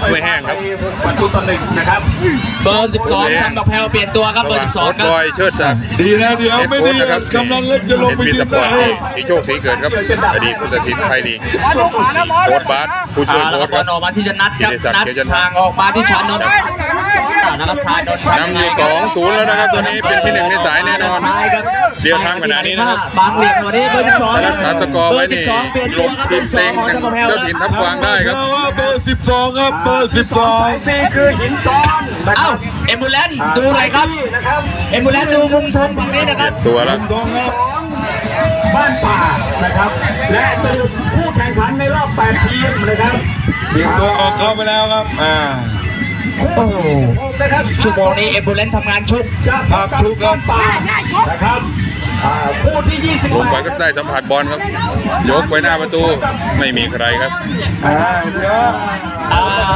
ไม่แห้งครับประตูต่อ1นะครับเบอร์12ทำกับแพลวเปลี่ยนตัวครับเบอร์12ครับบอยเชิดศักดิ์ดีนะเดี๋ยวไม่ดีนะครับกำลังเล็กจะลงไปมียืสนปอได้ร์ตที่โชคศรีเกิดครับอดีตผู้ตัดสินไทยลีกโค้ชบาสผู้ช่วยแล้วโค้ก็ชบคอรัลบออกมาที่จะนัดครับธีรศักดิ์นัดเขียวจันทร์ทางออกมาที่ชานนท์นะครับชานนท์นำอยู่2-0แล้วนะครับตัวนี้เป็นที่1ในสายแน่นอนเดียวทางขณะนี้นะครับบางเหลี่ยมวันนี้เบอร์12 รักษาสกอร์ไว้นี่หลบทีมเต็งทางเจ้าถิ่นทับกวางได้ครับว่าเบอร์12ครับเบอร์ 4คือหินซ้อนนะคเอ้ารับเอ็มบูเลนดูเลยครับนะครับเอ็มบูเลนดูมุมชมฝั่งนี้นะครับตัวแล้ว 12ครับบ้านป่านะครับ และสรุปผู้แข่งขันในรอบ8ทีมนะครับเบี่ยงตัวออกเข้าไปแล้วครับโอ้โหนะครับชั่วโมงนี้เอ็มบูเลนทำงานชุบครับทุกครับป่านะครับผู้ที่28 ลงไปก็ได้สัมผัสบอลครับ ยกไปหน้าประตูไม่มีใครครับเดี๋ยว